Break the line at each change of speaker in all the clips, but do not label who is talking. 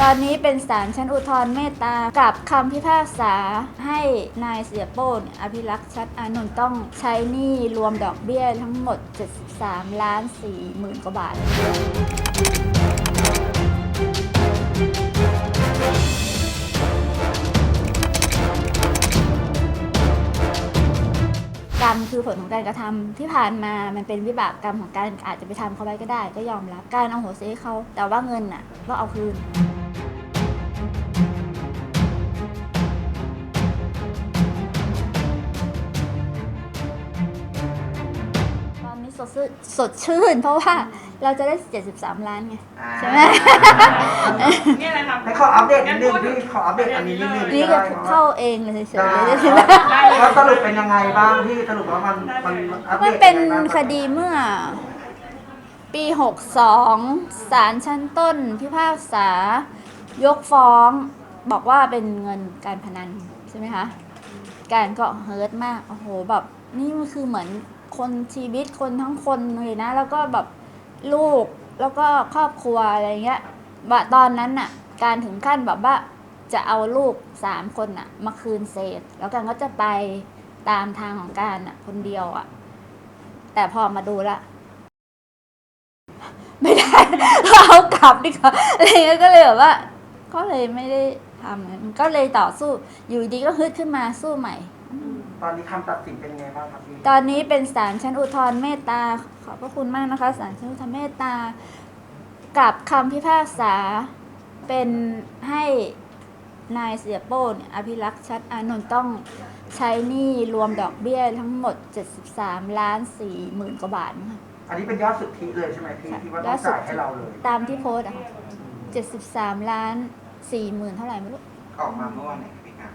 อนนี้เป็นศาลชั้นอุทธรณ์เมตตากับคำพิพากษาให้นายเสียโป้อภิรักษ์ชัดอานนท์ต้องใช้หนี้รวมดอกเบี้ยทั้งหมด 73,400,000 กว่าบาท กรรมคือผลของการกระทำที่ผ่านมามันเป็นวิบากกรรมของการอาจจะไปทำเขาไว้ก็ได้ก็ยอมรับการเอาโหสิให้เขาแต่ว่าเงินน่ะก็เอาคืนตอนนี้สดชื่นเพราะว่าเราจะได้73 ล้านไงใช่ไหม
นี่อะไรครับ
ให้ขออัปเดตนิดนึงพี่ขออัปเดตอันนี้นิดนึง
นี่ก็เข้าเองเลยเฉยๆ
แล้วสรุปเป็นยังไงบ้างพี่สรุปว่ามันอัปเดต
มันเป็นคดีเมื่อปี 62 ศาลชั้นต้นพิพากษายกฟ้องบอกว่าเป็นเงินการพนันใช่ไหมคะการก็เฮิร์ตมากโอ้โหแบบนี่มันคือเหมือนคนชีวิตคนทั้งคนเลยนะแล้วก็แบบลูกแล้วก็ครอบครัวอะไรเงี้ยว่าตอนนั้นน่ะการถึงขั้นแบบว่าจะเอาลูก3 คนน่ะมาคืนเศษแล้วกันก็จะไปตามทางของการน่ะคนเดียวอ่ะแต่พอมาดูละไม่ได้เอากลับดีกว่าอะไรเงี้ยก็เลยแบบว่าก็เลยไม่ได้ทำก็เลยต่อสู้อยู่ดีก็ฮึดขึ้นมาสู้ใหม่
ตอนนี้คำตัดสินเป็นไงบ้างครับพี่
ตอนนี้เป็นศาลชั้นอุทธรณ์เมตตาขอบพระคุณมากนะคะศาลชั้นอุทธรณ์เมตตากับคำพิพากษาเป็นให้นายเสียโป้อภิรักษ์ชัดอานนท์ต้องใช้หนี้รวมดอกเบี้ยทั้งหมด 73,400,000 กว่าบาทค่ะ
อันนี้เป็นยอดสุทธิเลยใช่ไหมพี่ที่ว่าต้องจ่ายให้เราเลย
ตามที่โพสต์อะค่ะ73,400,000เท่าไหร่ไม่รู้
ออกมาเมื่อวันไหนพี่การ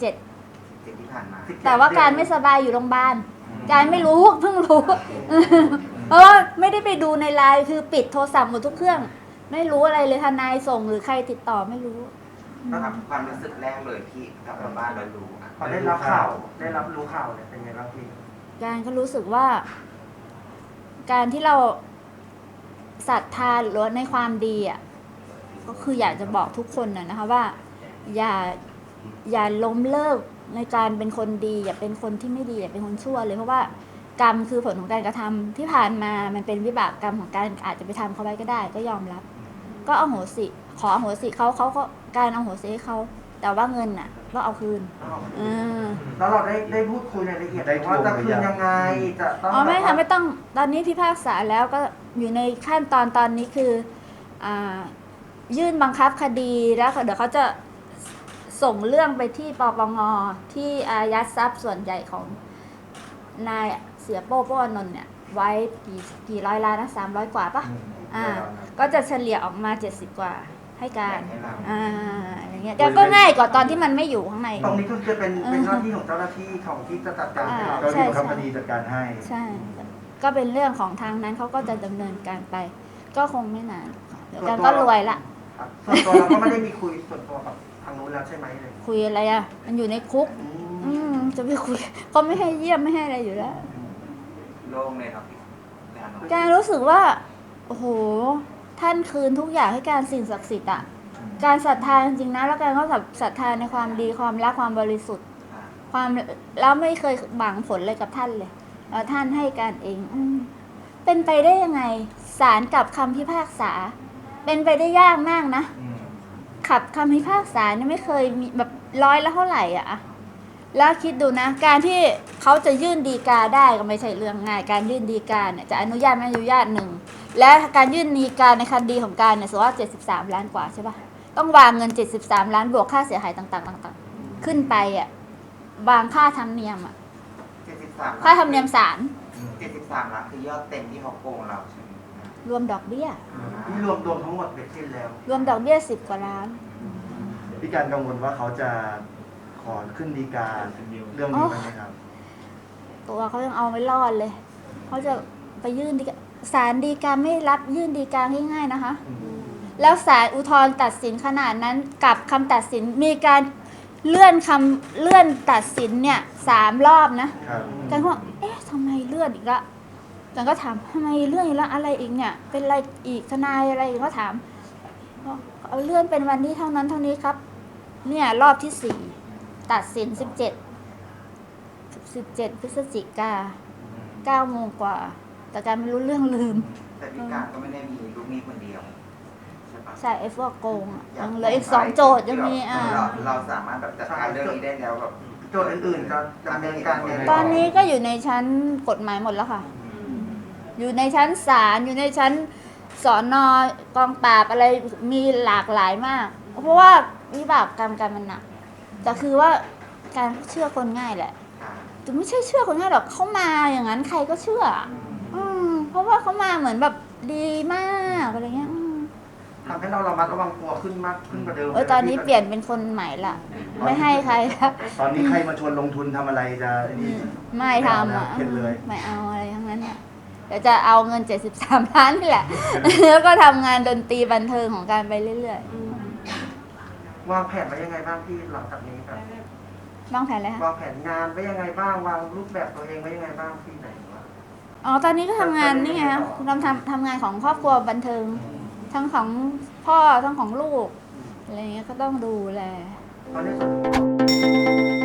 17
ที่ผ่านมา
แต่ว่าการไม่สบายอยู่โรงพยาบาลการไม่รู้เพิ่งรู้เพราะว่าไม่ได้ไปดูในไลน์คือปิดโทรศัพท์หมดทุกเครื่องไม่รู้อะไรเลยทนายส่งหรือใครติดต่อไม่รู้
ก็ทำความรู้สึกแรกเลยที่กลับมาบ้านแล้วรู้
พอได้รับข่าวได้รับรู้ข่าวเนี่ยเป็นไงบ้างพี่
การก็รู้สึกว่าการที่เราศรัทธาหรือในความดีอ่ะก็คืออยากจะบอกทุกคนนะคะว่าอย่าล้มเลิกในการเป็นคนดีอย่าเป็นคนที่ไม่ดีอย่าเป็นคนชั่วเลยเพราะว่ากรรมคือผลของการกระทำที่ผ่านมามันเป็นวิบากกรรมของการอาจจะไปทำเขาไว้ก็ได้ก็ยอมรับก็เอาโหสิขอโหสิเขาก็การเอาโหสิให้เขาแต่ว่าเงินน่ะก็เอาคืน
แล้วเราได้พูดคุยในรายละเอียดว่าจะคืนยังไงจะต้อง
ไม่ค่ะไม่ต้องตอนนี้พิพากษาแล้วก็อยู่ในขั้นตอนนี้คือยื่นบังคับคดีแล้วเดี๋ยวเขาจะส่งเรื่องไปที่ปปงที่อายัดทรัพย์ส่วนใหญ่ของนายเสียโป้อานนท์เนี่ยไว้กี่ร้อยล้านนะ300 กว่าปะก็จะเฉลี่ยออกมา70 กว่าให้การอย่างเงี้ยก็ง่ายกว่าตอนที่มันไม่อยู่ข้างใน
ตรงนี้คือจะเป็นหน้าที่ของเจ้าหน้าที่ของที่จะจัดการให้เรา
ใช่
คดีจัดการให้
ใช่ก็เป็นเรื่องของทางนั้นเขาก็จะดำเนินการไปก็คงไม่นานเดี๋ยวกันก็รวยละ
ส่วนตัวเราก็ไม่ได้มีคุยส่วนตัวกับทางนู้นแล้วใช่ไหมเลย
คุยอะไรอ่ะมันอยู่ในคุกจะไปคุยเขาไม่ให้เยี่ยมไม่ให้อะไรอยู่แล้ว
โล่งเลยครับ
การรู้สึกว่าโอ้โหท่านคืนทุกอย่างให้การสิ่งศักดิ์สิทธิ์อ่ะการศรัทธาจริงๆนะแล้วการก็ศรัทธาในความดีความรักความบริสุทธิ์ความแล้วไม่เคยหวังผลเลยกับท่านเลยแล้วท่านให้การเองเป็นไปได้ยังไงศาลกับคำพิพากษาเป็นไปได้ยากมากนะขับคำพิพากษาเนี่ยไม่เคยมีแบบร้อยละเท่าไหร่อ่ะแล้วคิดดูนะการที่เขาจะยื่นฎีกาได้ก็ไม่ใช่เรื่องง่ายการยื่นฎีกาเนี่ยจะอนุญาตไม่อนุญาตหนึ่งและการยื่นฎีกาในคดีของการเนี่ยสมมติว่า73 ล้านกว่าใช่ปะต้องวางเงิน73 ล้านบวกค่าเสียหายต่างๆขึ้นไปอ่ะวางค่าธรรมเนียมอ่ะค่าธรรมเนียมศาล
73 ล้านคือยอดเต็มที่เขาโกงเราใช่ไหม
รวมดอกเบี้ย
ที่รวมทั้งหมดเป็นสิ้นแล้ว
รวมดอกเบี้ย10 กว่าล้าน
พี่การกังวลว่าเขาจะขอขึ้นฎีกาเรื่องนี้ไหมครับ
ตัวเขายังเอาไม่รอดเลยเขาจะไปยื่นฎีกาศาลฎีกาไม่รับยื่นฎีกาง่ายๆนะคะแล้วศาลอุทธรณ์ตัดสินขนาดนั้นกับคำตัดสินมีการเลื่อนตัดสินเนี่ย3 รอบนะกันก็ทำไมเลื่อนอีกละกันก็ถามทำไมเลื่อนอีกละอะไรอีกเนี่ยเป็นอะไรอีกทนายอะไรก็ถามเอาเลื่อนเป็นวันที่เท่านั้นเท่านี้ครับ เนี่ยรอบที่ 4 ตัดสิน 17 พฤศจิกา9 โมงกว่า แต่การไม่รู้เรื่องลืม
แต่พี่การก็ไม่ได้มีลูกหนี้คนเดียวใช่ปะ
ใช่ไอ้พวกโกงอะยังเหลืออีก 2 โจทย์ยังมี
เราสามารถแบบจัดการเรื่องนี้ได้แล้วแบบ
โจทย์อื่นๆจะดำเนินการยังไง
ตอนนี้ก็อยู่ในชั้นกฎหมายหมดแล้วค่ะ อยู่ในชั้นศาล อยู่ในชั้นสอนกองปราบอะไรมีหลากหลายมาก เพราะว่าวิบากกรรมการมันหนัก แต่คือว่าการเชื่อคนง่ายแหละแต่ไม่ใช่เชื่อคนง่ายหรอกเขามาอย่างนั้นใครก็เชื่อ เพราะว่าเขามาเหมือนแบบดีมากอะไรเงี้ย
ทำให้เราระมัดระวังตัวขึ้นมากขึ้นกว่าเดิม
ตอนนี้เปลี่ยนเป็นคนใหม่ละ ไม่ให้ใครละ
ตอนนี้ใครมาชวนลงทุนทำอะไรจะนี่
ไม่ทำอ่ะ
เข็ดเลย
ไม่เอาอะไรทั้งนั้นเนี่ยเดี๋ยวจะเอาเงิน 73 ล้านนี่แหละ แล้วก็ทำงานดนตรีบันเทิงของการไปเรื่อยว
างแผนไว้ยังไงบ้างพี่หลังจากนี้ครับ
ๆวางแผนเลยคะ
วางแผนงานไว้ยังไงบ้างวางรูปแบบตัวเองไว้ยังไงบ้างพี่ไหนวะ
อ๋อ ตอนนี้ก็ทำงานนี่ไงคะทำงานของครอบครัวบันเทิง ทั้งของพ่อทั้งของลูก อะไรเงี้ยก็ต้องดูแล
ตอนนี้